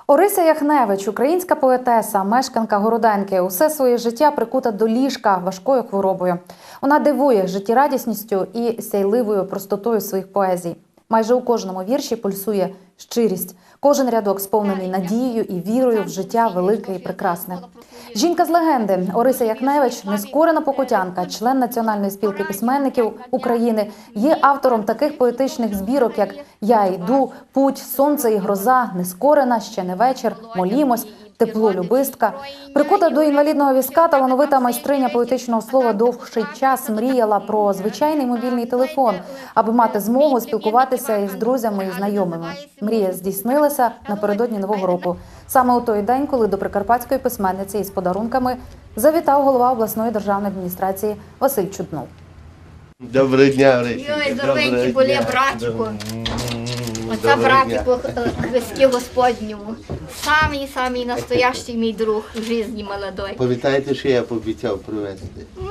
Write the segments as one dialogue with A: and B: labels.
A: Орися Яхневич – українська поетеса, мешканка Городенки. Усе своє життя прикута до ліжка важкою хворобою. Вона дивує життєрадісністю і сяйливою простотою своїх поезій. Майже у кожному вірші пульсує щирість. Кожен рядок сповнений надією і вірою в життя велике і прекрасне. Жінка з легенди Орися Яхневич – нескорена покутянка, член Національної спілки письменників України, є автором таких поетичних збірок, як «Я йду», «Путь», «Сонце і гроза», «Нескорена», «Ще не вечір», «Молімось», «Тепло любистка». Прикута до інвалідного візка, талановита майстриня поетичного слова довший час мріяла про звичайний мобільний телефон, аби мати змогу спілкуватися із друзями і знайомими. Мрія здійснилася напередодні Нового року. Саме у той день, коли до прикарпатської письменниці із подарунками завітав голова обласної державної адміністрації Василь Чуднов.
B: Доброго дня, Орисі.
C: Йой, здоровенький були, братчику. Оце братику Христі Господньому. Самий настоящий мій друг в житті молодой.
B: Пам'ятаєте, що я пообіцяв привезти?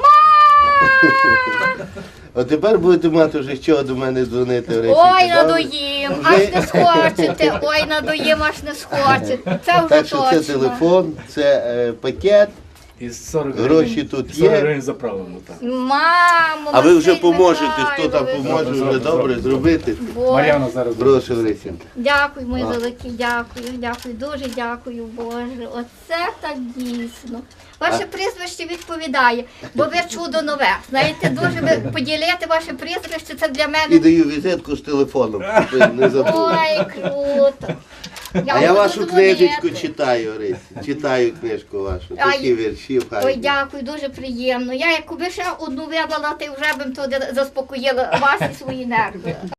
B: От тепер будете мати вже з чого до мене дзвонити, Орисі.
C: Ой, надоїм, аж не схочете. Ой, надоїм, аж не схочете. Це вже
B: Так що це
C: точно.
B: телефон, це пакет,
D: І 40
B: гроші тут
D: 40
B: є.
D: гривень заправлено, так.
C: Мамо,
B: А ви вже
C: Василь
B: поможете, хто там
C: Михайлович.
B: поможе вже добре зробити.
C: Боже.
D: Мар'яна зараз.
B: Прошу, Орисінка.
C: Дякую, мої великі, дякую, дуже дякую, Боже. Оце так дійсно. Ваше прізвище відповідає, бо ви чудо нове. Знаєте, дуже ви поділити ваше прізвище, це для
B: І
C: мене.
B: даю візитку з телефоном, щоб ви не забули.
C: Ой, круто.
B: А я
C: буду
B: вашу
C: дзвонити.
B: книжечку читаю, Орисі. Читаю книжку вашу. Такі вірші в
C: Ой,
B: хаті.
C: дякую, дуже приємно. Я якби ще одну видала, ти вже б туди заспокоїла вас і свої нерви.